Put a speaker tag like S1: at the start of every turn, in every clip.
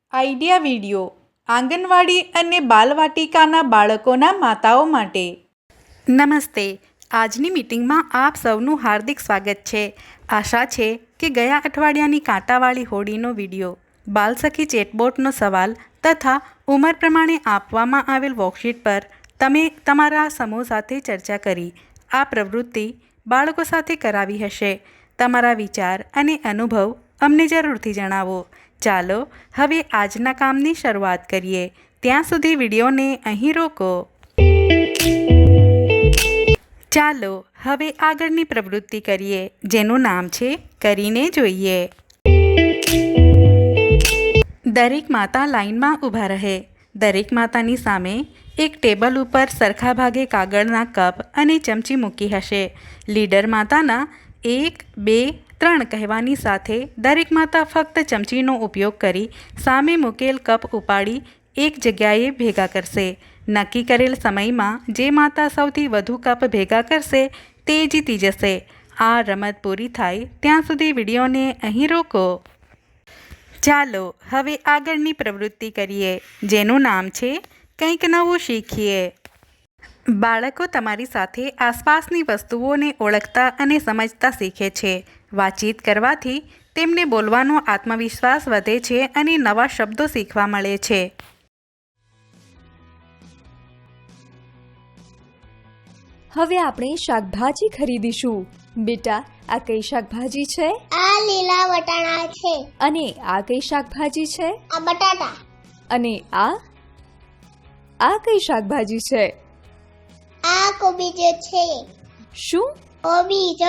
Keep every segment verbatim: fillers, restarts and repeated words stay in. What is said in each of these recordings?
S1: Idea video આંગણવાડી અને બાલવાટિકાના બાળકોના માતાઓ માટે। નમસ્તે, આજની મીટિંગમાં આપ સૌનું હાર્દિક સ્વાગત છે। આશા છે કે ગયા અઠવાડિયાની કાંટાવાળી હોડીનો વિડીયો, બાલસખી ચેટબોટનો સવાલ તથા ઉંમર પ્રમાણે આપવામાં આવેલ વર્કશીટ પર તમે તમારા સમૂહ સાથે ચર્ચા કરી આ પ્રવૃત્તિ બાળકો સાથે કરાવી હશે। તમારા વિચાર અને અનુભવ અમને જરૂરથી જણાવો। ચાલો હવે આજના કામની શરૂઆત કરીએ। ત્યાં સુધી વિડીયોને અહીં રોકો। ચાલો હવે આગળની પ્રવૃત્તિ કરીએ, જેનું નામ છે કરીને જોઈએ। દરેક માતા લાઈનમાં ઊભા રહે। દરેક માતાની સામે એક ટેબલ ઉપર સરખા ભાગે કાગળના કપ અને ચમચી મૂકી હશે। લીડર માતાના એક બે ત્રણ કહેવાની સાથે દરેક માતા ફક્ત ચમચીનો ઉપયોગ કરી સામે મૂકેલ કપ ઉપાડી એક જગ્યાએ ભેગા કરશે। નક્કી કરેલ સમયમાં જે માતા સૌથી વધુ કપ ભેગા કરશે તે જીતી જશે। આ રમત પૂરી થાય ત્યાં સુધી વિડીયોને અહીં રોકો। ચાલો હવે આગળની પ્રવૃત્તિ કરીએ, જેનું નામ છે કંઈક નવું શીખીએ। બાળકો તમારી સાથે આસપાસની વસ્તુઓને ઓળખતા અને સમજતા શીખે છે। વાતચીત કરવાથી તેમને બોલવાનો આત્મવિશ્વાસ વધે છે અને નવા શબ્દો શીખવા મળે છે।
S2: હવે આપણે શાકભાજી ખરીદીશું। બેટા, આ કઈ શાકભાજી છે?
S3: આ લીલા વટાણા છે।
S2: અને આ કઈ શાકભાજી છે?
S3: આ બટાટા।
S2: અને આ આ કઈ શાકભાજી છે?
S3: આ કોબીજ છે।
S2: શું?
S3: કોબીજ।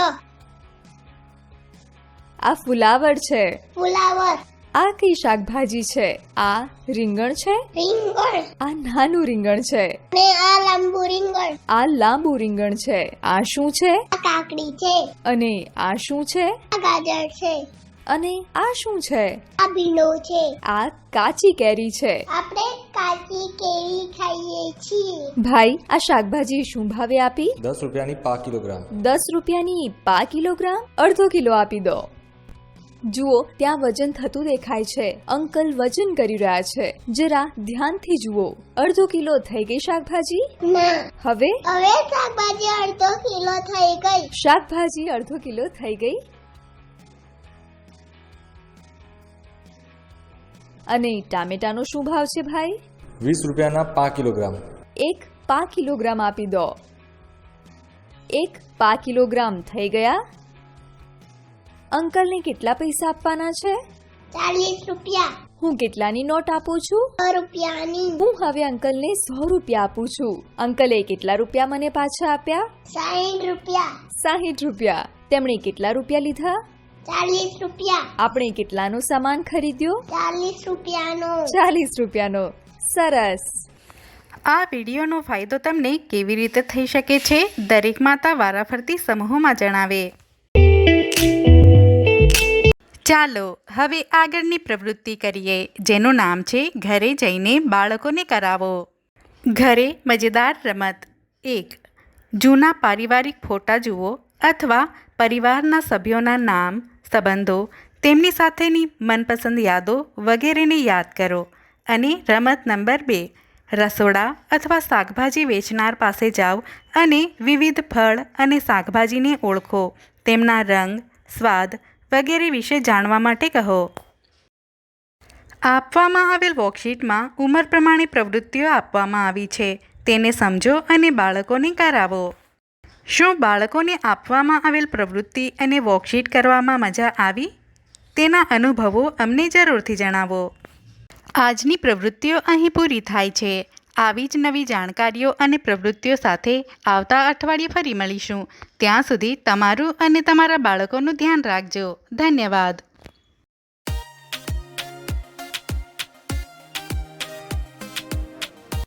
S2: આ ફુલાવર છે।
S3: ફુલાવર।
S2: આ કઈ શાકભાજી છે? આ રીંગણ છે।
S3: રીંગણ।
S2: આ નાનું રીંગણ છે।
S3: ને આ લાંબુ રીંગણ।
S2: આ લાંબુ રીંગણ છે। આ શું છે?
S3: આ કાકડી છે।
S2: અને આ શું છે?
S3: આ ગાજર છે।
S2: અને આ શું છે?
S3: આ ભીંડો છે।
S2: આ કાચી કેરી છે।
S3: આપણે કાચી કેરી ખાઈએ છીએ।
S2: ભાઈ, આ શાકભાજી શું ભાવે આપી?
S4: દસ રૂપિયાની પા કિલોગ્રામ।
S2: દસ રૂપિયાની પા કિલોગ્રામ? અડધો કિલો આપી દો। જુઓ, ત્યાં વજન થતું દેખાય છે। અંકલ વજન કરી રહ્યા છે। જરા ધ્યાનથી જુઓ। અડધો કિલો થઈ ગઈ શાકભાજી?
S3: ના।
S2: હવે
S3: હવે શાકભાજી અડધો કિલો થઈ ગઈ।
S2: શાકભાજી અડધો કિલો થઈ ગઈ। અને ટામેટાનો શું ભાવ છે ભાઈ?
S4: વીસ રૂપિયાના પા કિલોગ્રામ।
S2: એક પા કિલોગ્રામ આપી દો। એક પા કિલોગ્રામ થઈ ગયા। અંકલને કેટલા પૈસા આપવાના છે?
S3: ચાલીસ રૂપિયા।
S2: હું કેટલાની નોટ આપું છું?
S3: સો રૂપિયાની।
S2: હું હવે અંકલને સો રૂપિયા આપું છું। અંકલે કેટલા રૂપિયા મને પાછા આપ્યા?
S3: સાઠ રૂપિયા।
S2: સાહીઠ રૂપિયા। તેમણે કેટલા રૂપિયા લીધા?
S3: ચાલીસ રૂપિયા।
S2: આપણે કેટલાનો સામાન ખરીદ્યો?
S3: ચાલીસ રૂપિયાનો।
S2: ચાલીસ રૂપિયાનો। સરસ।
S1: આ વિડીયોનો ફાયદો તમને કેવી રીતે થઈ શકે છે, દરેક માતા વારાફરતી સમૂહમાં જણાવે। ચાલો હવે આગળની પ્રવૃત્તિ કરીએ, જેનું નામ છે ઘરે જઈને બાળકોને કરાવો। ઘરે મજેદાર રમત એક। જૂના પારિવારિક ફોટા જુઓ અથવા પરિવારના સભ્યોના નામ, સંબંધો, તેમની સાથેની મનપસંદ યાદો વગેરેને યાદ કરો। અને રમત નંબર બે, રસોડા અથવા શાકભાજી વેચનાર પાસે જાઓ અને વિવિધ ફળ અને શાકભાજીને ઓળખો, તેમના રંગ, સ્વાદ વગેરે વિશે જાણવા માટે કહો। આપવામાં આવેલ વર્કશીટમાં ઉંમર પ્રમાણે પ્રવૃત્તિઓ આપવામાં આવી છે, તેને સમજો અને બાળકોને કરાવો। શું બાળકોને આપવામાં આવેલ પ્રવૃત્તિ અને વર્કશીટ કરવામાં મજા આવી? તેના અનુભવો અમને જરૂરથી જણાવો। આજની પ્રવૃત્તિઓ અહીં પૂરી થાય છે। આવી જ નવી જાણકારીઓ અને પ્રવૃત્તિઓ સાથે આવતા અઠવાડિયે ફરી મળીશું। ત્યાં સુધી તમારું અને તમારા બાળકોનું ધ્યાન રાખજો। ધન્યવાદ।